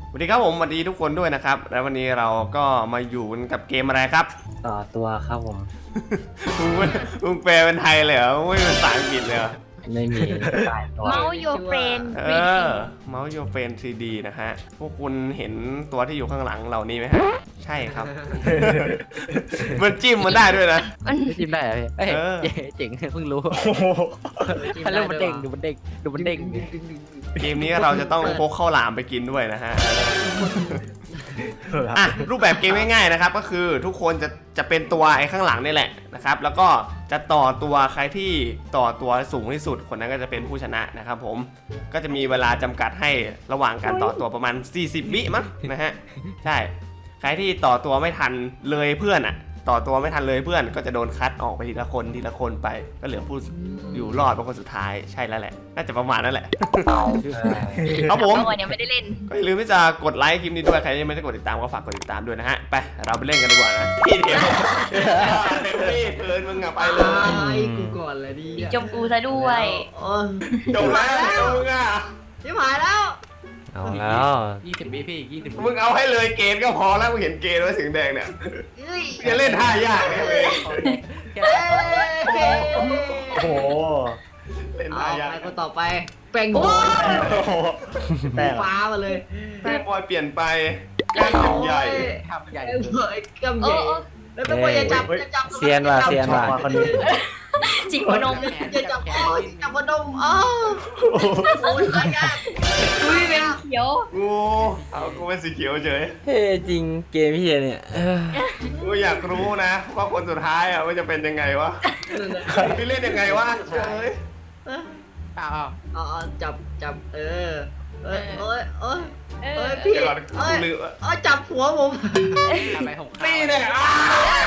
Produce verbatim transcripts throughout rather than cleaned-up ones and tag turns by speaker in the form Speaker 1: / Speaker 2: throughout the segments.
Speaker 1: สวัสดีครับผมสวัสดีทุกคนด้วยนะครับแล้ววันนี้เราก็มาอยู่กับเกมอะไรครับ
Speaker 2: ต่อตัวครับผม
Speaker 1: มึงมึงแปลเป็นไทยเลยเหรอไม่เป็นภาษาอังกฤษเลยเหรอ
Speaker 2: ไม่มีตายตัว
Speaker 3: เมาส์โยเฟรน
Speaker 1: เออเมาส์โยเฟน ทรี ดี นะฮะพวกคุณเห็นตัวที่อยู่ข้างหลังเหล่านี้ไหมฮะใช่ครับ มันจิ้มมันได้ด้วยนะ
Speaker 3: มัน
Speaker 2: จิ้มได้เหรอพี่เอ้ย
Speaker 1: เออ
Speaker 2: เจ๋งเพิ่งรู้ฮัลโหลมันเด้งดูมันเด้งดูมันเด้ง
Speaker 1: เกมนี้เราจะต้องพกข้าวหลามไปกินด้วยนะฮะอ่ะรูปแบบเกมง่ายๆนะครับก็คือทุกคนจะจะเป็นตัวไอ้ข้างหลังนี่แหละนะครับแล้วก็จะต่อตัวใครที่ต่อตัวสูงที่สุดคนนั้นก็จะเป็นผู้ชนะนะครับผมก็จะมีเวลาจำกัดให้ระหว่างการต่อตัวประมาณสี่สิบวิมั้งนะฮะใช่ใครที่ต่อตัวไม่ทันเลยเพื่อนอ่ะต่อตัวไม่ทันเลยเพื่อนก็จะโดนคัดออกไปทีละคนทีละคนไปก็เหลือผู้อยู่รอดเป็นคนสุดท้ายใช่แล้วแหละน่าจะประมาณนั้นแหละครับผม
Speaker 3: วันยังไม่ได้เล่น
Speaker 1: ก็อย่าลืมที่จะกดไลค์คลิปนี้ด้วยใครที่ยังไม่ได้กดติดตามก็ฝากกดติดตามด้วยนะฮะไปเราไปเล่นกันดีกว่านะพี่เดี๋ยวพี่เพิร์นมึงอะไปเลย
Speaker 4: ไอ้กูก่อนเลยดิ
Speaker 3: จมกูซะด้วย
Speaker 4: โอ้ย
Speaker 1: จบแล้วจบมึงอะ
Speaker 4: ชิบหายแล้ว
Speaker 2: เอาแล้ว
Speaker 5: ยี่สิบวิพี่ยี่สิบ
Speaker 1: มึงเอาให้เลยเกณฑ์ก็พอแล้วมึงเห็นเกณฑ์ไว้สีแดงเนี่ย
Speaker 4: เฮ้ย
Speaker 1: จะเล่นท่ายากเนี่ยเว้ย
Speaker 4: เอ้ย
Speaker 2: โอ้โห
Speaker 1: เล่น
Speaker 4: เอา
Speaker 1: ท่ายาก
Speaker 4: ไปคนต่อไปแป้งบอย
Speaker 2: แต่
Speaker 4: ฟ้ามาเลย
Speaker 1: แป้งบอยเปลี่ยนไปแป้งเป็นใหญ่
Speaker 5: ทำใหญ่
Speaker 4: แป้งบอยกำใหญ่
Speaker 3: โอ้
Speaker 4: แล้วแป้งบอยอย่าจับอย่าจับ
Speaker 2: เซียนว่ะเซียนว่ะคนนี้
Speaker 3: จิกหัวนม
Speaker 4: อย่าจับโอ้ยจับหัวนมอ้าวโอ้ยตายยากอุ้ยเป็น
Speaker 3: เขียว
Speaker 1: กูเอากูเป็นสีเขียวเฉย
Speaker 2: เฮ้จริงเกมพี่เนี่ยเออ
Speaker 1: กูอยากรู้นะว่าคนสุดท้ายอะมันจะเป็นยังไงวะพี่เล่นยังไงวะเฉย
Speaker 5: อ้าว
Speaker 4: อ๋อจับจับเออเอ้ยเอ้ยเอ้ย
Speaker 3: เอ
Speaker 4: เอ้
Speaker 3: อย
Speaker 4: พี่
Speaker 1: เดี๋ยวก่อนกู
Speaker 4: เอ้ย
Speaker 1: ลืม
Speaker 4: เอ้ยจับหัวผม
Speaker 5: อะไรของข้า
Speaker 1: นี่เนี่ยอ่ะ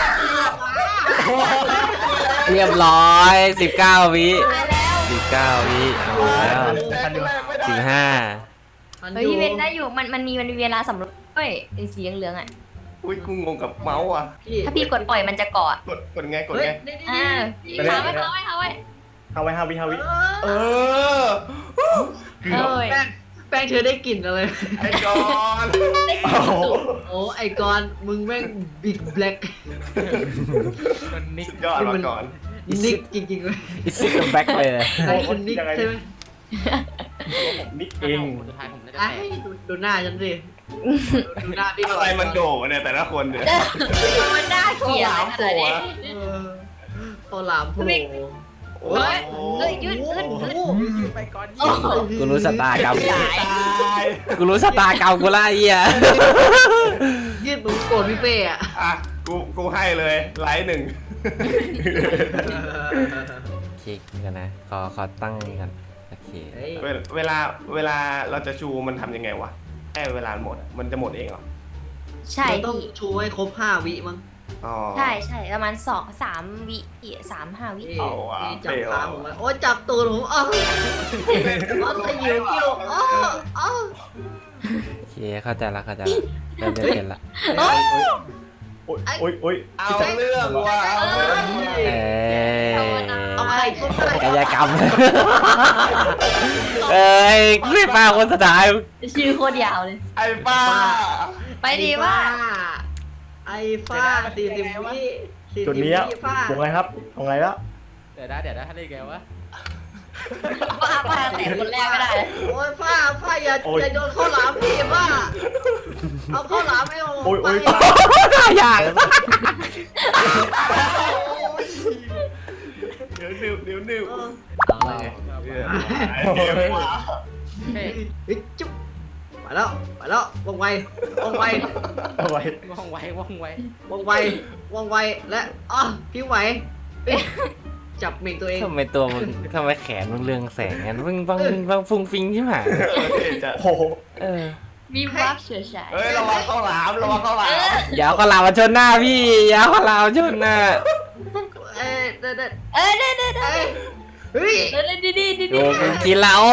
Speaker 2: เรียบร้อยสิบเก้าวิ
Speaker 3: ตายแล้ว
Speaker 2: สิบเก้าวิเอาแล้ว
Speaker 1: แรกไม่ได้
Speaker 2: สิบห้า
Speaker 3: เฮ้ยพี่เวนได้อยู่มันมันมีมันมีเวลาสำรวจด้วยไอ้สีเหลืองๆอ่ะ
Speaker 1: อุ้ยกูงงกับเมาส์อ่ะ
Speaker 3: ถ้าพี่กดปล่อยมันจะเกาะ
Speaker 1: กดกดไงกด
Speaker 4: เฮ้ย
Speaker 1: ไง
Speaker 4: นี่นี่
Speaker 3: อ่า
Speaker 4: นี่
Speaker 3: ค้างไว้ค้างไว้ค้างไว้
Speaker 2: เอาไว้ห้าวิห้าวิ
Speaker 1: เออเกือบ
Speaker 3: เอ้ย
Speaker 4: แป้งแป้งเธอได้กลิ่นอะไร
Speaker 1: ไอ้กอน
Speaker 4: โอ้ไอกอนมึงแม่งบิ๊กแบล็ก
Speaker 5: มันนิก
Speaker 1: สุดยอดมาก่อน
Speaker 4: นิกจริงๆเลย
Speaker 2: อิสซิกแบ็กเลย
Speaker 4: ไอ้คุณนิกใช่ไหม
Speaker 1: นิก
Speaker 5: เองสุดท้ายผมน่าจะ
Speaker 4: ไอ้
Speaker 5: แตก
Speaker 4: ดูดูหน้าฉันสิดูหน้าพี่
Speaker 1: อะไรมันโดดเนี่ยแต่ละคนเนี่ย
Speaker 3: มันน่าเกลียดขนาดนี้
Speaker 4: เออโอหลามโผล่
Speaker 1: โอ้
Speaker 3: เฮ้ย
Speaker 1: โห
Speaker 3: เฮ้ยยืดขึ้นขึ้น
Speaker 5: ยืดไปก่อน
Speaker 3: โอ้โห
Speaker 2: กูรู้สตาร์กรรม
Speaker 3: ตาย
Speaker 1: ตาย
Speaker 2: กูรู้สตาร์กรรมกูละไอ้เหี้ย
Speaker 4: ยืดมึงโกรธพี่เป้อะ
Speaker 1: อ่ะกูกูให้เลยไลท์หนึ่ง
Speaker 2: คลิกกันนะขอขอตั้งกันโอเค
Speaker 4: เฮ้ย
Speaker 1: เวลเวลาเวลาเราจะชูมันทำยังไงวะแค่เวลาหมดอะมันจะหมดเองเหรอ
Speaker 3: ใช่
Speaker 4: เราต้อง
Speaker 3: พี่
Speaker 4: ชูให้ครบห้าวิมั้ง
Speaker 1: อ๋อ
Speaker 3: ใช่ใช่ประมาณสองสามวิพี่สามห้าวิ
Speaker 4: นี่
Speaker 1: เอาว่ะ
Speaker 4: นี่จับ
Speaker 1: เปรี้ยว
Speaker 4: ขาผมไว้โอ้จับตูดผมอ้าวอ้าวขยิวกิ้วอ้าวอ้าว
Speaker 2: โอเคเข้าใจละเข้าใจละเริ่มได้เป็นละ
Speaker 4: เฮ้ย
Speaker 6: โอ้ยโอ้ยโอ้ย
Speaker 1: เอาเรื่องว่ะเอาเรื่องว่ะ
Speaker 2: เอ้ย
Speaker 4: เอาใครคนใคร
Speaker 2: กายกรรมเอ้ยไม่มาคนสุดท้าย
Speaker 3: ชื่อโคตรยาวเลย
Speaker 1: ไอ้ป้า
Speaker 3: ไปดีว่า
Speaker 4: ไอ้ฟ้าสี่สิบวิสี่สิบ
Speaker 6: จุดนี้
Speaker 4: วิฟ้า
Speaker 6: ตรงไงครับตรงไงแล้ว
Speaker 5: เดี๋ยวนะเดี๋ยวนะถ้าได้ไงวะ
Speaker 3: ว่าว่าแต่คนแรกก็ได้
Speaker 4: โอ้ยฟ้าฟ้าอย่าอย่าโดนข้าวหลามพี่ฟ้าเอาข้าวหลามให้ผม
Speaker 6: โอ้ยโอ้ย
Speaker 4: ไป
Speaker 2: น่ายาก
Speaker 1: เดี๋ยวนิ้วเดี๋ยวนิ้ว
Speaker 4: เออเอาเลย
Speaker 1: เดี๋ยวเดี๋ยวว่ะ
Speaker 5: เฮ้ย
Speaker 4: เฮ้ยจุ๊บไปแล้วไปแล้วว่องไวว่องไว
Speaker 6: เอาไว้
Speaker 5: ว่องไวว่องไว
Speaker 4: ว่องไวว่องไวและอ๋อพี่ไหวเฮ้ยจับเหม่งตัวเอง
Speaker 2: ทำไมตัวมึงทำไมแขนมึงเรืองแสงงั้นมึงบังบังฟุ้งฟิงใช่ไหม
Speaker 1: เออเท่จะ
Speaker 6: โอ้โห
Speaker 2: เออ
Speaker 3: มีวับเฉยฉาย
Speaker 1: เฮ้ยระวังข้าวหลามระวังข้าวหลาม
Speaker 2: อย่าเอาข้าวหลามมาชนหน้าพี่อย่าเอาข้าวหลามมาชนหน้า
Speaker 4: เอ้ยเด็ดเด็ด
Speaker 3: เออเด้อเด้อเด้อ
Speaker 4: เอ้ยเฮ้ย
Speaker 3: เด้อดีดีดี
Speaker 2: โด
Speaker 3: ดี
Speaker 2: นกินแล้ว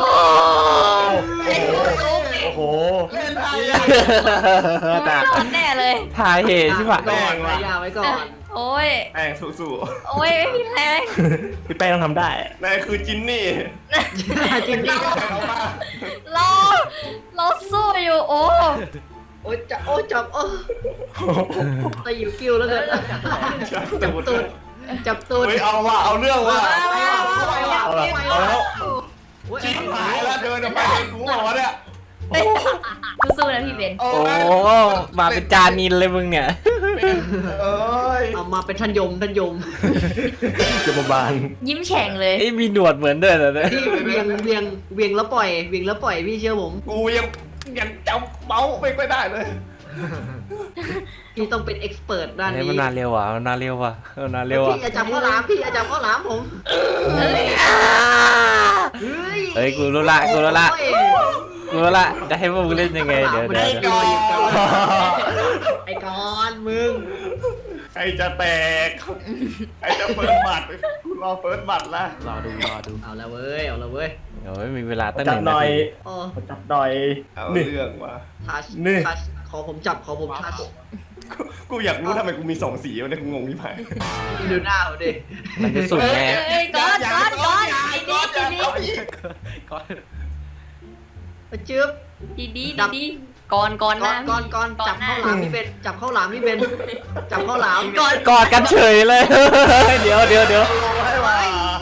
Speaker 6: โอ้โห
Speaker 1: เล่นไทย
Speaker 3: รอดแน่เลย
Speaker 2: ทายเหตุใช่ปะ
Speaker 4: ก่อนไว้ยาไว้ก่อน
Speaker 3: โอ้โอ้ย
Speaker 1: แป้งสู้
Speaker 3: โอ้ยไม่มีแรง
Speaker 6: พี่แป้งต้องทำได้
Speaker 1: ๆนายคือจินนี่
Speaker 4: จริงดิ
Speaker 3: เราเราสู้อยู่โอ้
Speaker 4: โอ้ยจับโอ้ยจับโอ้ตะหิวกิ้วแล้วเกินจับตูดจับตูด
Speaker 1: เฮ้ยเอาว่ะเอาเรื่องว่ะ
Speaker 6: เอาละเอาแล้ว
Speaker 1: ชิบหายแล้วเดินออกไปเป็นกูบอกว่าเนี่ย
Speaker 3: สู้ๆนะพี่เบน
Speaker 1: โอ้
Speaker 2: โอ้
Speaker 1: ย
Speaker 2: มาเป็นจานินเลยมึงเนี่ย
Speaker 1: เอ้ย
Speaker 4: เอามาเป็นท่านยมท่านยม
Speaker 6: จะมาบาน
Speaker 3: ยิ้มแฉ่งเลย
Speaker 2: ไอ้มีหนวดเหมือนด้วยเหรอเนี่ย
Speaker 4: พี่เวียงเวียงเวียงแล้วปล่อยเวียงแล้วปล่อยพี่เชื่อผม
Speaker 1: กูยังยังจำเมาส์ไม่ค่อยได้เลย
Speaker 4: พี่ต้องเป็นเอ็กซ์เพรสด้าน
Speaker 2: เฮ้ย
Speaker 4: นี้
Speaker 2: มันนานเร็วว่ะมันนานเร็วว่ะมันนานเร็ว
Speaker 4: พี่
Speaker 2: ว่ะ
Speaker 4: อย่าจับข้าวหลามพี่อย่าจับข้าวหลามผม
Speaker 3: เฮ้ย
Speaker 4: เฮ้ย
Speaker 2: เฮ้ยกูรู้ละกูรู้ละกูรู้ละจะให้พวกมึงเล่นยังไงเดี๋ยวเดี๋ยว
Speaker 4: ไอ้
Speaker 2: เดี๋ยว
Speaker 4: กอนไอ้กอนมึง
Speaker 1: ใครจะแตกใครจะเปิดบัตรกูรอเปิดบัตรละ
Speaker 2: รอดูรอดู
Speaker 4: เอาละเว้ยเอาละเว้ย
Speaker 2: เดี๋ยวไม่มีเวลาตั้งห
Speaker 6: จับ
Speaker 2: นึ่ง
Speaker 6: ห
Speaker 2: นา
Speaker 6: น่อย
Speaker 2: ที
Speaker 4: โอ้
Speaker 6: จับหน่อย
Speaker 1: เอา
Speaker 6: นี่
Speaker 1: เรื่องว่ะ
Speaker 4: ทัช
Speaker 6: นี่
Speaker 4: ทัชขอผมจับขอผมทัช
Speaker 1: กูกูอยากรู้ทำไมกูมีสองสีวะเนี่ยกูงงที่ไหน
Speaker 4: ดูหน้าผมดิ
Speaker 2: มันจะสุด
Speaker 3: เฮ้
Speaker 2: แน่
Speaker 3: ยเฮ้ยก้อนก้อนก้อนดีดีดี
Speaker 5: ก่อน
Speaker 4: จื๊บ
Speaker 3: ดีดีดีดีก่อนก่อน
Speaker 4: ก่อ
Speaker 3: นะ
Speaker 4: นก่อนก่อนจับข้าวหลามพี่เบนจับข้าวหลามพี่เบนจับข้าวหลาม
Speaker 3: ก่อน
Speaker 2: กอดกันเฉยเลย เดี๋ยวเดี๋ยวเดี๋ยว
Speaker 1: ให้ว่ะ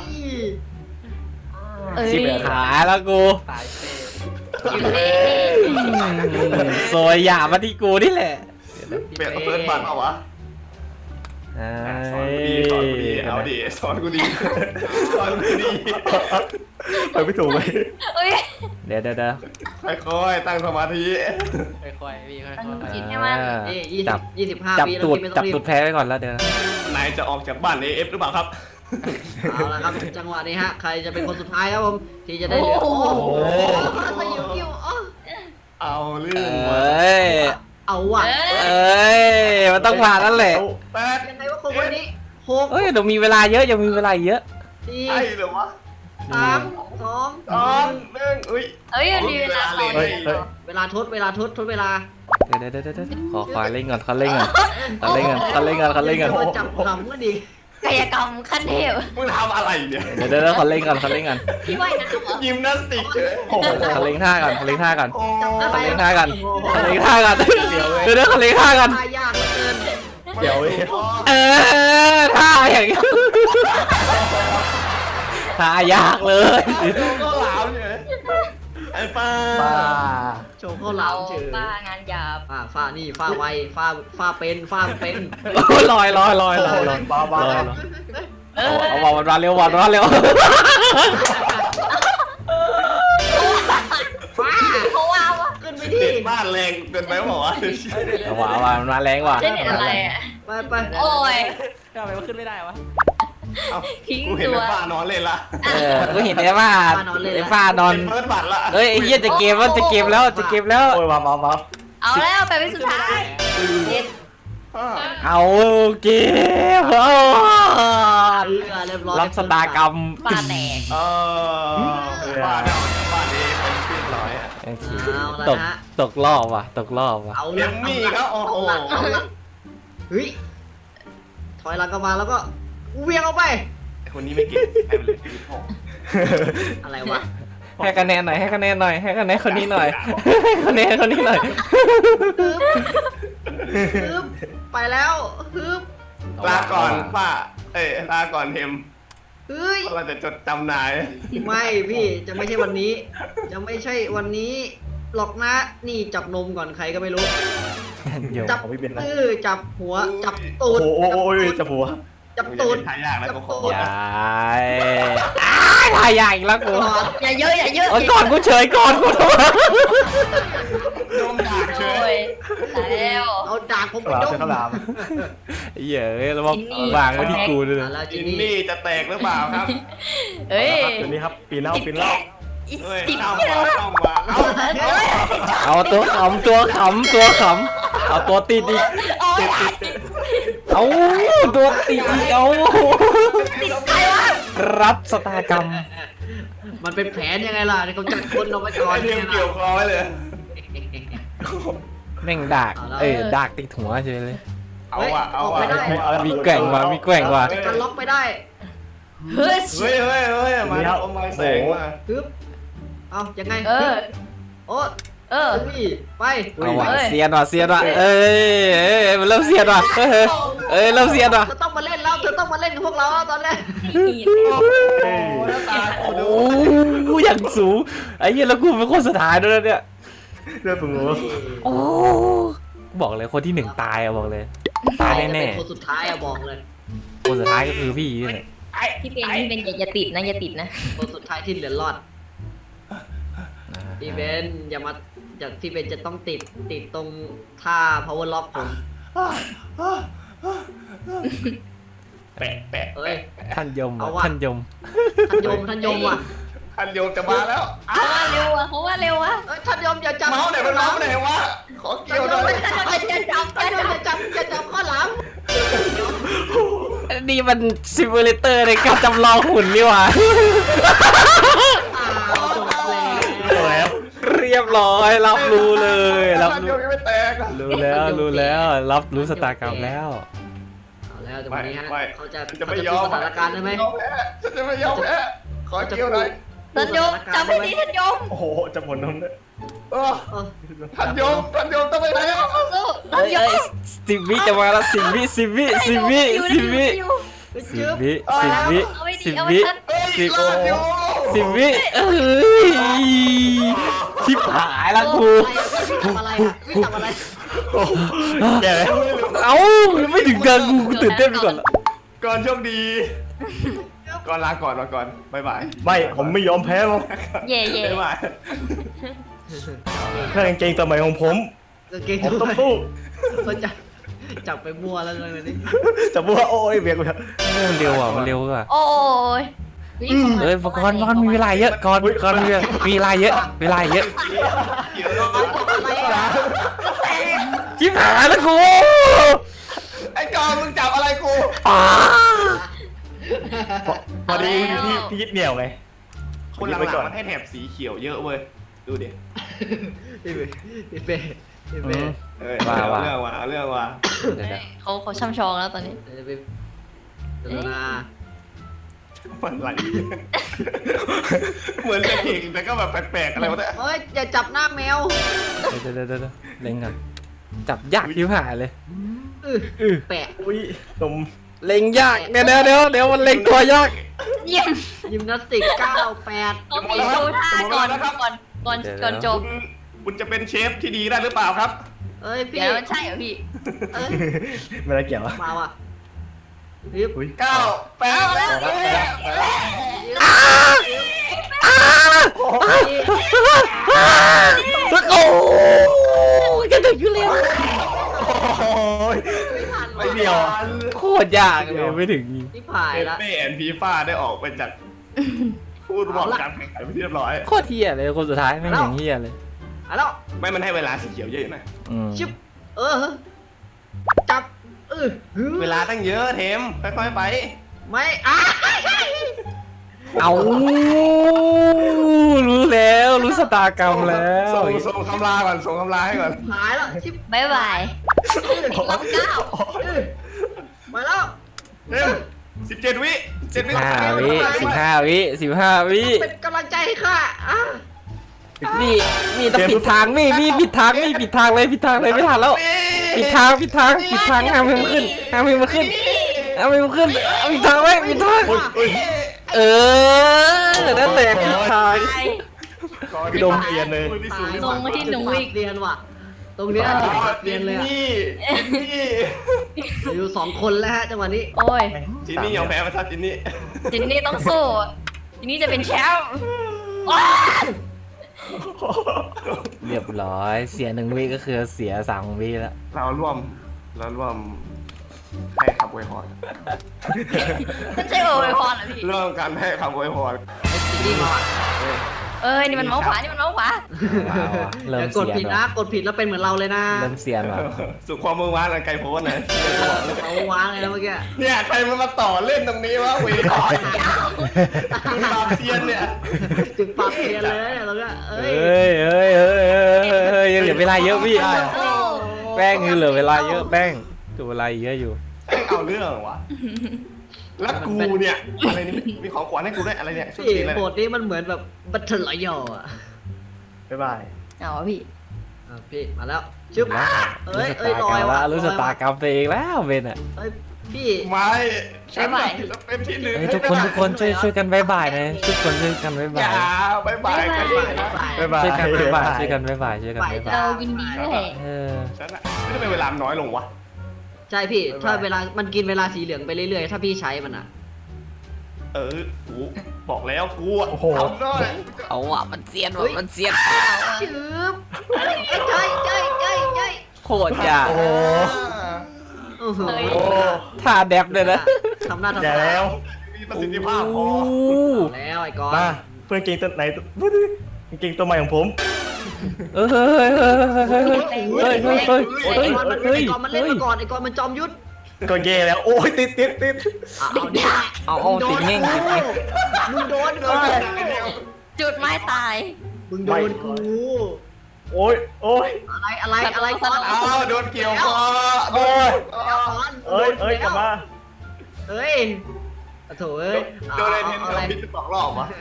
Speaker 3: เอ้ย
Speaker 2: สิบขาแล้วกู
Speaker 5: ตายเซ่
Speaker 3: อยู่เลย
Speaker 2: ซวยหยามาที่กูนี่แหละ
Speaker 1: เปลี่ยนเปิดบัตรเอาวะ
Speaker 2: เอ้
Speaker 1: สอนกูดีสอนกูดีเอาดิสอนกูดีสอนกูดี
Speaker 6: ไปไม่ถูกเลย
Speaker 3: เอ้ย
Speaker 2: เดี๋ยวเดี๋ยวเดี๋ยว
Speaker 1: ค่อยๆตั้งสมาธิ
Speaker 5: ค่อยๆพี่ค่อย
Speaker 3: มัน
Speaker 5: ๆ
Speaker 3: กินให้มัน
Speaker 2: อ่า
Speaker 4: นี่ยี่
Speaker 2: จั
Speaker 4: สิ
Speaker 2: บบ
Speaker 4: ยี่สิบห้า
Speaker 2: จับ
Speaker 4: ปีแล้ว
Speaker 2: ตูด
Speaker 4: พี่ไม่ต้
Speaker 2: จั
Speaker 4: อบ งรี
Speaker 2: ตู
Speaker 4: บ
Speaker 2: ดแพ้ไว้ก่อนแล้วเดี๋ยว
Speaker 1: นายจะออกจากบ้านเอฟหรือเปล่าครับ
Speaker 4: เอาละครับจังหวะนี้ฮะใครจะเป็นคนสุดท้ายครับผมที่จะได้เหลือ
Speaker 3: โอ้
Speaker 4: โอ้
Speaker 3: โห
Speaker 4: โหสยิวกิ้วอ๋อ
Speaker 1: เอาเรื่
Speaker 2: เอ
Speaker 1: องว่ะ
Speaker 2: ้ย
Speaker 4: เอาว่ะ
Speaker 2: เอ้ยมันต้องผ่านนั่นแหละ
Speaker 1: แปด
Speaker 4: ยังไงวะคนวันนี้หก
Speaker 2: เอ้ยเดี๋ยวมีเวลาเยอะยังมีเวลาอีกเยอะ
Speaker 4: สี่
Speaker 1: ใช่เหรอวะ
Speaker 4: สามสอง
Speaker 1: สองหนึ่งอุ้ย
Speaker 3: เอ้ยมันมีเวลาต่อ
Speaker 6: เฮ้ยเฮ้ย
Speaker 4: เวลาทดเวลาทดทดเวลา
Speaker 2: เดี๋ยวเดี๋ยวเดี๋ยวเดี๋ยวขอขอเล่นก่อนขอเล่นก่อนขอเล่นก่อนขอเล่นก่อนขอเล่นก่อน
Speaker 4: จะมาจับขำก็ดี
Speaker 3: กายกรรมขั้นเทพ
Speaker 1: มึงทำอะไรเนี่ย
Speaker 2: เดี๋ยวเดี๋ยวเดี๋ยวขอเล่นก่อนขอเล่นก่อน
Speaker 3: พี่ว่ายน้ำเหรอ
Speaker 1: ยิมนาสติกเฉย
Speaker 6: โอ้โห
Speaker 2: ขอเล่นท่าก่อนขอเล่นท่าก่อน
Speaker 1: โอ้
Speaker 2: ขอเล่นท่าก่อนขอเล่นท่าก่อนเดี๋ยวเดี๋ยวขอเล่นท่าก่อน
Speaker 4: ทายากเหลือเกิน
Speaker 6: เดี๋ยวเว้ย
Speaker 2: เออท่าอย่างนี้ท่ายากเลย
Speaker 1: ก็หลามเฉยไอ้ป้า
Speaker 6: ป้า
Speaker 4: โชว์ข้าวหลามเฉย
Speaker 3: บ้างานหยาบ
Speaker 4: อ่าฟ้านี่ฟ้าไวฟ้าฟ้าเป็นฟ้าเป็น
Speaker 2: ลอยลอยลอยลอยลอย
Speaker 6: บ้าบ้า
Speaker 2: ลอยเอาเอาบอลมันมาเร็วบอลมาเร็ว
Speaker 4: ฟ้า
Speaker 3: เขาว่าวะ
Speaker 4: ขึ้นไปดิ
Speaker 1: เด็ดบ้านแรงเกินไปบอกว่า
Speaker 2: เอาว่ะเอาว่ะมันมาแรงว่ะ
Speaker 3: เล่นเน็ตอะไรอ่ะ
Speaker 4: ไปไป
Speaker 3: โอ้ย
Speaker 5: ทำไมมันขึ้นไม่ได้วะ
Speaker 3: ทิ้ง
Speaker 1: กูเห็น
Speaker 3: ตัว
Speaker 1: ไอ้ป้านอนเล่นละ
Speaker 2: เออกูเห็นไอ้ฝ้าไอ้ฝ้านอน
Speaker 1: เปิดบัตรละ
Speaker 2: เอ้ยไอ้เหี้ยจะเกมแล้วจะเกมแล้วจะเกมแล้ว
Speaker 6: โอ้ยมามามา
Speaker 3: เอาแล้วไปเป็นสุดท้ายเด็ด
Speaker 2: เอาเกมเอา
Speaker 4: เรือเรียบร้อย
Speaker 2: รับสตากรรม
Speaker 3: ปลาแตก
Speaker 1: เออบ้านเอาบ้านนี้เป็นที่ร้อยอ่ะ
Speaker 2: โอเค
Speaker 4: เอาละ
Speaker 2: ตก
Speaker 4: ฮะ
Speaker 2: ตกรอบว่ะตกรอบว่ะ
Speaker 4: เอา
Speaker 1: เอ็มมี่ครับโอ้โห
Speaker 4: เอาละเฮ้ยถอยหลังกลับมาแล้วก็เวียงเอาไป
Speaker 1: ไอ้คนนี้ไม่เก่งใครเป็นเลยที่หก
Speaker 4: อะไรวะ
Speaker 2: ให้คะแนนหน่อยให้คะแนนหน่อยให้คะแนนคนนี้หน่อยให้คะแนนคนนี้หน่อย
Speaker 4: ฮึบไปแล้วฮึบ
Speaker 1: ลาก่อนป้าเอ้ยลาก่อนเทม
Speaker 4: เฮ้ย
Speaker 1: เราจะจดจำนาย
Speaker 4: ไม่พี่จะไม่ใช่วันนี้ จะไม่ใช่วันนี้หรอกนะนี่จับนมก่อนใครก็ไม่รู้
Speaker 2: เดี๋ยว
Speaker 4: จับ
Speaker 6: ของพี่เบนนะ
Speaker 4: เออจับหัวจับตู
Speaker 6: โอ้
Speaker 4: ด
Speaker 6: โหโอ้ยจับหัว
Speaker 4: จับ
Speaker 1: มึง
Speaker 4: ตู
Speaker 1: จะ
Speaker 4: ด
Speaker 1: เป็นทายากแล้วก็ขอ
Speaker 2: อย่าอ้ายทายากอีกแล้วกู
Speaker 3: อย่าเยอะอย่าเยอะ
Speaker 2: โอ้ยก่อนกูเฉยก่อนกูโทษ
Speaker 1: โดนด่าเฉ
Speaker 3: โอ้
Speaker 1: ย
Speaker 3: ยตายแล้ว
Speaker 4: เอาดาบผม
Speaker 6: ก
Speaker 4: ไป
Speaker 6: ลาม
Speaker 4: ด
Speaker 6: เจอข้าวหลาม
Speaker 2: เหี้ยเอ้ยแล้วมาวางไว้ที่กูด้วย
Speaker 4: อ่ะ
Speaker 2: นะ
Speaker 4: แล้วจิ
Speaker 1: จิ
Speaker 4: น
Speaker 1: น
Speaker 4: นี่
Speaker 1: นี่จะแตกหรือเปล่าครับ
Speaker 3: เฮ้ย
Speaker 6: เดี๋ยวนี้ครับปีนเล่าปีนเล่า
Speaker 1: เฮ้ย
Speaker 3: ติด
Speaker 1: เข้า
Speaker 3: เย
Speaker 1: มา
Speaker 3: อะ
Speaker 1: เข้ามาเอา
Speaker 2: เอาตัวขำตัวขำตัวขำเอาตัวติดอีกติดติดเอาตัวติดอีกเอา
Speaker 3: ติดใครวะ
Speaker 2: รับสตากรรม
Speaker 4: มันเป็นแผนยังไงล่ะที่เขาจัดคนเอาไว้ก่อน
Speaker 1: ไอเทียมเกี่ยวคอไว้เลย
Speaker 2: แม่งดากเอ้ยดากติดหัวเฉยเลย
Speaker 1: เอาว่ะเอาว่ะ
Speaker 4: ไม่ได้
Speaker 2: มีแกว่งว่ะมีแกว่งว่ะ
Speaker 4: จะกันล็อกไปได้
Speaker 3: เฮ้ย
Speaker 1: เฮ้ยเฮ้ยเฮ้ยมาแล้วอมมาแสงมา
Speaker 4: ฮึบเอายังไง
Speaker 3: เออ
Speaker 4: โอ้
Speaker 3: เออ
Speaker 4: นี่ไป
Speaker 2: เอาว่ะ
Speaker 3: เอ้ย
Speaker 2: เสียนว่ะเสียนว่ะเอ้ยเอ้ยมันเริ่มเสียนว่ะเอ้ยเอ้ยเริ่มเสียนว่ะ
Speaker 4: เธอต้องมาเล่นแล้วเธอต้องมาเล่นกับพวกเราแล้วตอนแรก
Speaker 1: โอ้โห
Speaker 2: โอ้กูอย่างสูงไอ้เหี้ยแล้วกูเป็นคนสุดท้ายด้วยนะเนี่ย
Speaker 6: เลือดสูงหัว
Speaker 2: โอ้บอกเลยคนที่หนึ่งตายอะบอกเลยตายแน่
Speaker 4: เป็นคนสุดท้ายอะบอกเลย
Speaker 2: ๆคนสุดท้ายก็คือพี่นี่แหละ
Speaker 3: พี่เป็นพี่เป็นอย่าอย่าติดนะอย่าติดนะ
Speaker 4: คนสุดท้ายที่เหลือรอดพี่เบนอย่ามาอย่าพี่เบนจะต้องติดติดตรงท่า power lock ผม
Speaker 1: แปะแปะ
Speaker 4: เอ้ย
Speaker 2: ท่านยม
Speaker 4: เอา
Speaker 2: ว่ะ
Speaker 4: ว่ะ
Speaker 2: ท่านยม
Speaker 4: ท่านยมท่านยมว่ะ
Speaker 1: ท่านโยมจะมาแล้ว
Speaker 3: เขาว่าเร็วอะเขาว่าเร็วอะ
Speaker 4: เอ้ยท่านยมอย่าจับ
Speaker 1: เมาส์ไหนมันเมาส์ไหนวะขอเกี่ยวหน่อย
Speaker 3: จะจับ
Speaker 4: ท่าน
Speaker 3: จะ
Speaker 4: ยม
Speaker 3: จับ
Speaker 4: อย่าจับอย่าจับข้อหลัง
Speaker 2: นี่มันซิมูเลเตอร์ในการจำลองหุ่นนี่หว่า
Speaker 4: อ้าวจบแล้ว
Speaker 6: แล้ว
Speaker 2: เรียบร้อยรับรู้เลยรับ
Speaker 1: ท่านโย
Speaker 2: รู้
Speaker 1: มยังไม่แตก
Speaker 2: รู้แล้วรู้แล้วรับรู้สตากรรมแล้ว
Speaker 4: เอาแล้วแต่วันนี้ฮะ
Speaker 1: ไม่
Speaker 4: เขาจะ
Speaker 1: จะ
Speaker 4: เขา
Speaker 1: ไม่
Speaker 4: จะ
Speaker 1: ย
Speaker 4: พู
Speaker 1: อ
Speaker 4: ด
Speaker 1: ม
Speaker 4: สถานการณ์ได้ไหม
Speaker 1: ฉันจะไม่ยอมแพ้ขอเกี่ยวหน่อย
Speaker 3: ท่านโยมจับให้ดีท่านโยม
Speaker 6: โอ้โหจะหมดน้ำเลย
Speaker 1: เออ
Speaker 4: เออ
Speaker 1: ท่านโยมท่านโยมต้องไปไหนอ่ะ
Speaker 3: สู้ท่า
Speaker 2: เอ้
Speaker 3: น
Speaker 2: ย
Speaker 3: โย
Speaker 2: เอ้
Speaker 3: ม
Speaker 2: ยสิบวิจะมาแล้วสิบวิสิบวิสิบวิสิบวิ สิบวิสิบวิ
Speaker 3: เอาไว้
Speaker 2: สิ
Speaker 3: ดี
Speaker 2: บ
Speaker 3: เอาไว้
Speaker 2: วิ
Speaker 3: ท่าน
Speaker 2: สิบ
Speaker 1: รอดอยู่
Speaker 2: สิบวิเอ้ยชิบหายละกู
Speaker 4: ทำอะไรอะวิ่งทำอะไร
Speaker 6: แย่เลย
Speaker 2: เอ้ายังไม่ถึงเดินกูกูตื่นเต้นไปก่อนละ
Speaker 1: ก่อนโชคดี ก่อนลาก่อนมาก่อนบ๊ายบาย
Speaker 6: ไม่ผมไม่ยอมแพ้หรอก
Speaker 3: เย่เย่
Speaker 1: บ๊ายบาย
Speaker 6: แค่กางเกงสมัยของผม
Speaker 4: กางเกง
Speaker 6: ผม
Speaker 4: ด้
Speaker 6: ต้อ
Speaker 4: ว
Speaker 6: ง
Speaker 4: ย
Speaker 6: สู้
Speaker 4: เขาจะจับไปมั่วแล้วเลยวันนี้
Speaker 6: จะบอกว่าโอ้ยเบียกไป
Speaker 2: มันเร็วอ่ะมันเร็วอ่ะ
Speaker 3: โอ้ย
Speaker 2: เอ้ยก่อนก่อนมีเวลาเยอะก่อนก่อนมีมีเวลาเยอะเวลาเยอะ
Speaker 1: เกี่ยว
Speaker 4: ร้อนอะไรอะ
Speaker 2: ชิบหายแล้วกู
Speaker 1: ไอ้กอนมึงจับอะไรกู
Speaker 2: อ้า
Speaker 6: พอดีพี่พี่ยึดเหนี่ยวไง
Speaker 1: คนหลังๆมันให้แถบสีเขียวเยอะเว้ยดูดิ
Speaker 4: พี่เป้พี่เป้พี่เป้
Speaker 1: เอ้ยเอาเรื่องว่ะเอาเรื่องว่ะ
Speaker 2: เดี๋ยวเดี๋ยว
Speaker 3: เขาเขาช่ำชองแล้วตอนนี้
Speaker 4: เดี๋ยวไปเดี๋ยวนะ
Speaker 1: มันไหลเหมือนจะเก่งแต่ก็แบบแปลกๆอะไรวะเนี่ย
Speaker 4: เฮ้ยอย่าจับหน้าแมว
Speaker 2: เดี๋ยวเดี๋ยวเดี๋ยวเล็งก่อนจับยากชิบหายเลย
Speaker 4: อือแปะ
Speaker 6: อุ้ยนม
Speaker 2: เล็งยากเดี๋ยวเดี๋ยวเดี๋ยวเดี๋ยวมันเล็งตัวยาก
Speaker 3: เยี่ยม
Speaker 4: ยิมนาสติกเก้าแปด
Speaker 3: เขามีดูท่าก่อนก่อนก่อนก่อนจบ
Speaker 1: คุณคุณจะเป็นเชฟที่ดีได้หรือเปล่าครับ
Speaker 4: เอ้ยพี่
Speaker 3: เดี๋ยวมันใช่เหรอพี่
Speaker 4: เอ้ย
Speaker 6: ไม่ได้เกี่ยวอะ
Speaker 4: มาว่ะพี่
Speaker 6: อุ้ย
Speaker 1: เก้าแปด
Speaker 3: เอาแล้ว
Speaker 2: โอ้ยจะถึงอยู่แล้ว
Speaker 6: โอ้ย ไม่เดียว
Speaker 2: โคตรยากเลยไม่ถึง
Speaker 4: นี่ผ่าน
Speaker 1: เอ
Speaker 4: ละ
Speaker 1: เป้แอนฟีฟ่าได้ออกไปจากผู้บอกการแข่งขันไปที่เรียบร้อย
Speaker 2: โคตรเฮียเลยคนสุดท้ายไม่งอย่างเฮียเลย
Speaker 4: เอาแล้ว
Speaker 1: ไม่มันให้เวลาสีเขียวเยอะหน่อย
Speaker 2: อืม
Speaker 4: ชิบเออจับเออ
Speaker 1: เวลาตั้งเยอะเทมค่อยๆไป
Speaker 4: ไม่อ่ะ
Speaker 2: เอารู้แล้วรู้สตากรรมแล้ว
Speaker 1: ส่งส่งคำลาก่อนส่งคำลาให้ก่อน
Speaker 4: หายแล้วชิบ
Speaker 3: บ๊ายบายรับเก้า
Speaker 4: เออมาแล้ว
Speaker 1: เทมสิบเจ็ดวิเจ็ดวิ
Speaker 2: ห้าวิสิบห้าวิสิบห้าวิ
Speaker 4: เป็นกำลังใจให้ข้าอ่ะ
Speaker 2: นี่นี่ต้องผิดทางนี่นี่ผิดทางนี่ผิดทางเลยผิดทางเลยไม่ทันแล้วผิดทางผิดทางผิดทางห้ามให้มันขึ้นห้ามให้มันขึ้นห้ามให้มันขึ้นเอาผิดทางไว้ผิดทาง
Speaker 6: อุ้ย
Speaker 2: เออนั่นแหละผิดทาง
Speaker 6: พี่โดมเปลี่ยนเลย
Speaker 3: ลงมาที่หนูอีก
Speaker 4: เรียนว่ะ ตรงเนี้ยเรียนเลยอ่ะ
Speaker 1: นี่นี่
Speaker 4: อยู่สองคนแล้วฮะจังหวะนี้
Speaker 3: โอ้ย
Speaker 1: จินนี่ยอมแพ้มาซะจินนี่
Speaker 3: จินนี่ต้องสู้จินนี่จะเป็นแชมป์ว้า
Speaker 2: เรียบร้อยเสียหนึ่งวิก็คือเสียสามวิแล้ว
Speaker 1: เราร่วมเราร่วมให้คำอวยพร
Speaker 3: มันใช่โอเวอร์พรเหรอพี่
Speaker 1: เรื่องการให้คำอวยพร
Speaker 4: ดีมาว่ะ
Speaker 3: เอ้ยนี่มันเมาส์ขวานี่มันเมาส์ขวา
Speaker 2: เริ่
Speaker 4: อย่าม กด
Speaker 2: เสีย
Speaker 4: ผิด
Speaker 2: น
Speaker 4: นะ
Speaker 2: ว่ะ
Speaker 4: กดผิดแล้วเป็นเหมือนเราเลยนะ
Speaker 2: เริ่มเสียนว่ะ
Speaker 1: สุขความมือวานไกลโพ้นนะ
Speaker 4: เอาวางเลยนะเมื่อกี้
Speaker 1: เนี่ยใครมันมาต่อเล่นตรงนี้วะเวทอยปราบเซียนเนี่ย
Speaker 4: จึงปรับเรียนเลยเนี่ยเราก็เอ้
Speaker 2: เฮ้
Speaker 4: ย
Speaker 2: ยเฮ้ยเฮ้ยเฮ้ยเฮ้ยยังเหลือเวลาเยอะพี่
Speaker 3: โอ้
Speaker 2: แป้งยังเหลือเวลาเยอะแป้งตัวอะไรเยอะอยู่
Speaker 1: แม่งเอาเรื่องวะแล้วกูเนี่ยอะไรนี่มีของขวัญให้กูด้วยอะไรเนี่ยชุด
Speaker 4: พี่
Speaker 1: ตีอะไร
Speaker 4: โหมดนี้มันเหมือนแบบบัตเทิลรอยัลอ่ะ
Speaker 1: บ๊ายบาย
Speaker 3: เอาวะพี่
Speaker 4: อ่ะพี่มาแล้วชึบ
Speaker 2: แล้ว
Speaker 4: เอ้ย
Speaker 2: รู้
Speaker 4: เอ้ย
Speaker 2: ชะ
Speaker 4: ล
Speaker 2: ตา
Speaker 4: อก
Speaker 2: รรม
Speaker 4: ย
Speaker 2: แล้วรู้ชะตากรรมตัวเองแล้วเบนอ่ะ
Speaker 4: เอ้ยพี่
Speaker 1: ไม่ฉัน
Speaker 3: บ๊ายบาย
Speaker 1: ศิลปินที่หนึ่ง
Speaker 2: เฮ้ยทุกคนทุกคนช่วยช่วยกันบายบายนะทุกคนช่วยกันบาย
Speaker 1: อบ
Speaker 2: าย
Speaker 1: ย่าบ๊ายบายกันด้วยนะบ๊ายบาย
Speaker 2: ช่วยกันบายบายช่วยกันบายบายช่วยกันบายบาย
Speaker 3: เรายินดีด้วย
Speaker 2: เออ
Speaker 1: ฉันอะไม่ได้เป็นเวลาน้อยลงวะ
Speaker 4: ใช่พี่
Speaker 1: บ๊ายบาย
Speaker 4: ถ้าเวลามันกินเวลาสีเหลืองไปเรื่อยๆถ้าพี่ใช้มันอ่ะ
Speaker 1: เออกูบอกแล้วกูอะทำได้
Speaker 2: เอาอ่ะมันเซียน
Speaker 4: เฮ้ย
Speaker 2: มันเซียน
Speaker 4: ชึบใช่ใช่ใช่ใช่
Speaker 2: โคตรจ้า
Speaker 6: โอ้โห
Speaker 4: โอ้โห
Speaker 3: เฮ้ย
Speaker 6: โอ้
Speaker 2: ท่าแดบเลยนะ
Speaker 4: ทำหน้าทำ
Speaker 6: อย่า
Speaker 4: ตา
Speaker 6: แล้ว
Speaker 1: มีประสิทธิภาพพอ
Speaker 4: เอาแล้วไอ้กอน
Speaker 6: มาเพื่อนเก่งตัวไหนตัวเก่งตัวใหม่ของผม
Speaker 2: เฮ้ยเฮ้ยเฮ้ยเฮ้ยเฮ้ยเฮ้ยเฮ้ย
Speaker 4: ไอ้
Speaker 2: เฮ้ย
Speaker 4: กอนมันไอ้กอนมันเล่นมาก่อนไอ้กอนมันจอมยุทธ
Speaker 6: ก็แย่แล้ว โอ้ยติดติดติด
Speaker 4: อ่ะเอาดิ
Speaker 2: เอาเอาติดเง่งติดเง่ง
Speaker 4: มึงโดนกู
Speaker 3: จุดไม้ตาย
Speaker 4: มึงโดนกู
Speaker 6: โอ้ยโอ้ย
Speaker 4: อะไรอะไรอะไรกอน
Speaker 1: อ้าวโดนเกี่ยวคอ
Speaker 6: โอ้ย
Speaker 4: กอน
Speaker 6: เอ้ยเอ้ยกลับมา
Speaker 4: เอ้ยโถ่เอ้ย
Speaker 1: โดนอะไรเทน
Speaker 4: เอา
Speaker 1: เนอ
Speaker 4: อะไร
Speaker 1: ร์พิษสองรอบวะ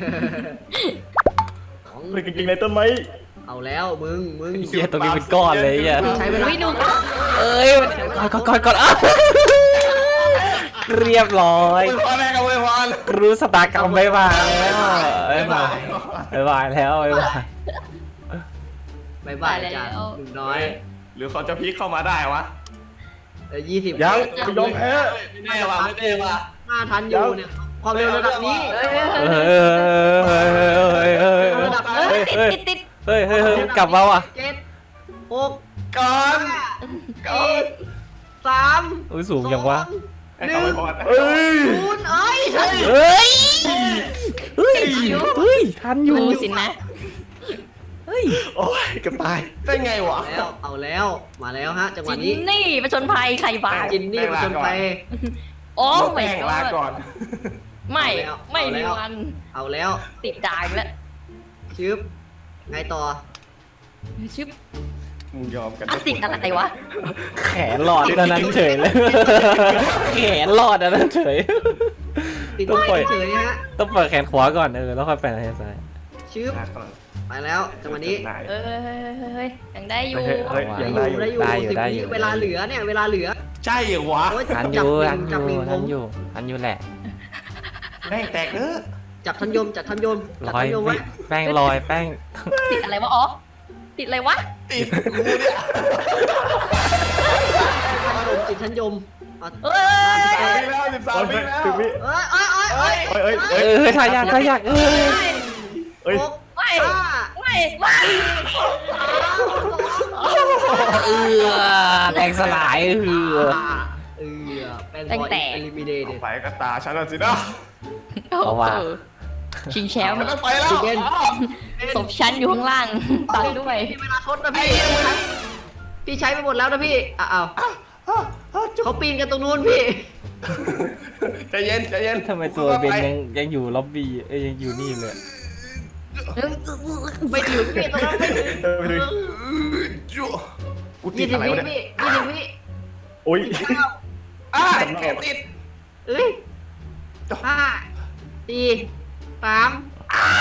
Speaker 4: ของ
Speaker 6: เพื่อนเก่งๆในต้นไม้
Speaker 4: เอาแล้วมึงมึง
Speaker 2: เฮียตรงนี้เป็นก้อนเลยอ่ะ
Speaker 4: ใช้เวลา
Speaker 3: วิดู
Speaker 2: เอ้ยก่อนก่อนก่อนอ่ะเรียบร้อย
Speaker 1: อวยพรแรกกับอวยพร
Speaker 2: รู้สตากรรมบายบายแล้วบายบายบายบายแล้วบายบาย
Speaker 4: บายบายจ้ะหนุ่มน้อย
Speaker 1: หรือเขาจะพลิกเข้ามาได้วะ
Speaker 4: เออยี่สิบ
Speaker 6: ยังไม่ยอมแพ้
Speaker 1: ไม่แน่ว่ะไม่แน่ว่ะ
Speaker 4: หน้าทันอยู่เนี่ยความเร็วระดับนี้
Speaker 2: เฮ้ยเฮ้ยเฮ้ยเฮ้ย
Speaker 4: ระดับ
Speaker 3: เอ้
Speaker 4: เฮ้ย
Speaker 3: ยติดติดติด
Speaker 2: เฮ้ยเฮ้ยเฮ้ยกลับมาว่ะ
Speaker 4: เจ็ดหก
Speaker 1: ก่อน
Speaker 4: ห้า
Speaker 1: ก่อ
Speaker 4: สี่
Speaker 1: น
Speaker 4: สาม
Speaker 2: อุ้ยสูงจังวะ
Speaker 1: ให้เขาอวยพร
Speaker 6: เอ้ย
Speaker 4: ศูนย์เอ้ยทันอยู่
Speaker 2: เฮ้ยเฮ้ยเฮ้ยทันอยู่
Speaker 3: ดูสินะ
Speaker 2: เฮ้ย
Speaker 6: โอ้ยเกับตาย
Speaker 1: ได้ไงวะ
Speaker 4: แล้วเอาแล้วมาแล้วฮะจังหวะ
Speaker 3: จิน
Speaker 4: นี้
Speaker 3: นี่ประชนภัยใครบ้า
Speaker 4: จินนี่มาจนไป
Speaker 3: โอ้
Speaker 1: แป้
Speaker 3: ไม่
Speaker 1: งลาก่อน
Speaker 3: ไม่
Speaker 4: เอาแล้ว
Speaker 3: ไม่มี
Speaker 4: เอาแล้ว
Speaker 3: วัน
Speaker 4: เอาแล้ว
Speaker 3: ติดดายแล้ว
Speaker 4: ชึบไงต่อ
Speaker 3: ชึบ
Speaker 1: มึงยอมกัน
Speaker 3: อ่ะติดอะไรวะ
Speaker 2: แขนหลอดอันนั้นเฉยเลยแขนหลอดอันนั้นเฉย
Speaker 4: ติด
Speaker 2: ต้องปล่อย
Speaker 4: เฉยๆฮะ
Speaker 2: ต้องเปิดแขนขวาก่อนเออแล้วค่อยไปทางซ้าย
Speaker 4: ชึบไปแล้วจังหวะนี้
Speaker 3: เอ้ยเฮ้ยยังได้อยู่
Speaker 6: เฮ้ยเฮ้ย
Speaker 4: ได้
Speaker 6: ยัง
Speaker 4: อยู่
Speaker 6: ได้อยู่
Speaker 4: ได้อยู่สิบวิเวลาเหลือเนี่ยเวลาเหลือ
Speaker 1: ใช่เหรอวะ
Speaker 4: โอ้ย
Speaker 2: ทันอ
Speaker 4: จับ
Speaker 2: ยู่
Speaker 4: ห
Speaker 2: ทั
Speaker 4: นึ่
Speaker 2: น
Speaker 4: ง
Speaker 2: อ
Speaker 4: จับหนึ่
Speaker 2: ยู่
Speaker 4: งผ
Speaker 2: ทัน
Speaker 4: ม
Speaker 2: อยู่ทันอยู่แหละ
Speaker 1: แม่งแตกเออ
Speaker 4: จับทันยมจับทันยมจับ
Speaker 2: ลอ
Speaker 4: ทั
Speaker 2: ย
Speaker 4: นยมไว้
Speaker 2: แป้งลอยแป้ง
Speaker 3: ติดอะไรวะอ๋อติดอะไรวะ
Speaker 1: ติดกูเนี่ย
Speaker 4: ทันยมติดทันยมเอา
Speaker 3: เอ้ย
Speaker 1: สามปีแล้วสิบสามปีแล้ว
Speaker 6: สิบวิ
Speaker 4: เอ้ยเอ้ยเอ้ยเอ้ย
Speaker 6: เอ้ยเอ้ย
Speaker 2: เอ
Speaker 6: เอ้ย
Speaker 2: อทายากทายากเออ
Speaker 6: เอ้ย
Speaker 4: หก
Speaker 3: ไม่
Speaker 4: ห้า
Speaker 3: ไม่ไม่
Speaker 2: เออแตกสลายเออ
Speaker 4: เออแป้งบอลเอลิมิเนต
Speaker 1: ต่อไปก็ตาฉันแล้วสินะ
Speaker 2: เอาว่ะ
Speaker 3: ชิงแชมป์
Speaker 1: มันต้องไปแล้ว
Speaker 4: เย็น
Speaker 3: ศพชั้นอยู่ข้างล่างตัดด้วย
Speaker 4: พี่เวลาทดนะพี่พี่ใช้ไปหมดแล้วนะพี่อ้าวเขาปีนกันตรงนู้นพี่
Speaker 1: ใจเย็นใจเย็น
Speaker 2: ทำไมตัวเบนยังยังอยู่ล็อบบี้เอ้ยยังอยู่นี่เลย
Speaker 4: ไม่ถึงพี่ตรงนั้นไม่ถึง
Speaker 6: เออไปดู
Speaker 1: จุ๊กูติ
Speaker 4: ยี่
Speaker 1: ด
Speaker 4: สิ
Speaker 1: อะ
Speaker 4: บ
Speaker 1: ไร
Speaker 4: วิ
Speaker 1: วะเนี่ย
Speaker 4: พี่ยี่สิบวิ
Speaker 6: โอ้ย
Speaker 1: อ้าแขนติด
Speaker 4: เอ้ยห้าสี่สามสอง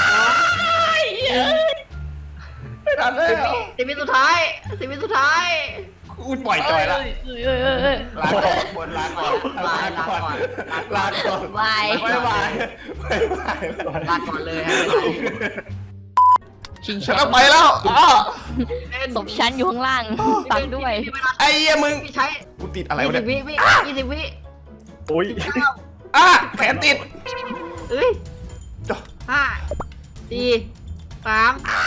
Speaker 1: ไม่ทันแล้ว
Speaker 4: สิบวิสุดท้ายสิบวิสุดท้าย
Speaker 1: กูปล่อยจอยละ
Speaker 3: เอ้ยเอ้ยเอ้ย
Speaker 1: ลาก่อนบนลาก่อนลาก่อนลาก่อน
Speaker 3: บาย
Speaker 1: บายบายบายบาย
Speaker 4: ลาก่อนเลยฮะ
Speaker 3: ชิงแช
Speaker 1: ฉัน
Speaker 3: ม
Speaker 1: ต้อง
Speaker 3: ป์
Speaker 1: ไปแล้วอ้อ
Speaker 3: ศพชั้นอยู่ข้างล่างตัดด้วย
Speaker 1: ไอ้เหี้ยมึง
Speaker 4: พี่ใช้
Speaker 1: กูติดอะไร
Speaker 4: ยี่
Speaker 1: วะ
Speaker 4: สิ
Speaker 1: เนี่
Speaker 4: บ
Speaker 1: ย
Speaker 4: วิพี่ยี่สิบวิ
Speaker 6: โอ้ย
Speaker 1: อ้าแขนติด
Speaker 4: เอ้ยห้าสี่สาม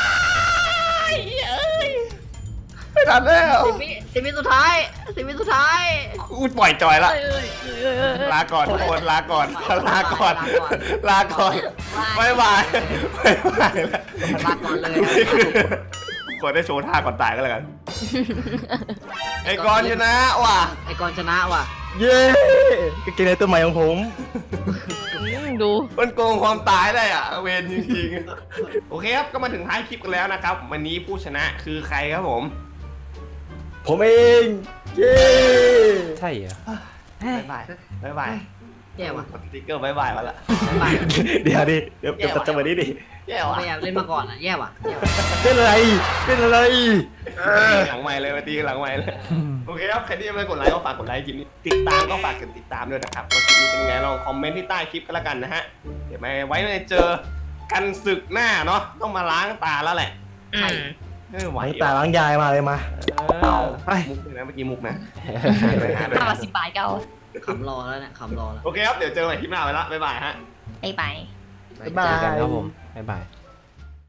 Speaker 1: ไม่ทันแล้ว
Speaker 4: สิบวิสิบวิสุดท้ายสิบวิสุดท้าย
Speaker 1: กูปล่อยจอยละ
Speaker 3: เอ้ยเอ้ยเอ้ยเอ้ยเอ้ย
Speaker 1: ลาก่อนทุกคนลาก่อนลาก่อนลาก่อนบายบายบายบายแล้ว
Speaker 4: ลาก่อนเลย
Speaker 1: นี่คือคนได้โชว์ท่าก่อนตายก็แล้วกันไอ้กรณ์ชนะว่ะ
Speaker 4: ไอ้กรชนะว่ะ
Speaker 6: เย้กางเกงในตัวใหม่ของผม
Speaker 3: ดู
Speaker 1: มันโกงความตายได้อ่ะเวรจริงๆโอเคครับก็มาถึงท้ายคลิปกันแล้วนะครับวันนี้ผู้ชนะคือใครครับผม
Speaker 6: ผมเองเย้
Speaker 2: ใช่เหรอ
Speaker 1: บายบายบายบาย
Speaker 4: แย่ว่ะ
Speaker 1: กดสติ๊กเกอร์บายบายมาละ
Speaker 4: ไป
Speaker 6: เดี๋ยวดิเดี๋ยวเดี๋ยวจังหวะนี้ดิ
Speaker 1: แย่
Speaker 4: เอา
Speaker 1: ว่ะ
Speaker 4: ไปเล่นมาก่อนอ่ะแย่ว่ะแย่ว่ะ
Speaker 6: เป็นอะไรเป็นอะไร
Speaker 1: หลังใหม่เลยมาตีหลังใหม่เลยโอเคครับใครที่ยังไม่กดไลค์ก็ฝากกดไลค์คลิปนี้ติดตามก็ฝากกดติดตามด้วยนะครับว่าคลิปนี้เป็นยังไงลองคอมเมนต์ที่ใต้คลิปก็แล้วกันนะฮะเดี๋ยวมาไว้ในเจอกันศึกหน้าเนาะต้องมาล้างตาแล้วแหละ
Speaker 3: อืม
Speaker 1: เออไหว
Speaker 6: ล้างตาล้างยายมาเลยมา
Speaker 1: ไปมุกเลยนะเมื่อกี้มุกนะ
Speaker 3: ห้าสิบบาทก็เอา
Speaker 4: ขำรอแล้วเนี่ยขำรอแล้ว
Speaker 1: โอเคครับเดี๋ยวเจอกันใหม่คลิปหน้าไปละบ๊ายบายฮะ
Speaker 3: ไปไป
Speaker 2: เจอกันครับผมบ๊ายบาย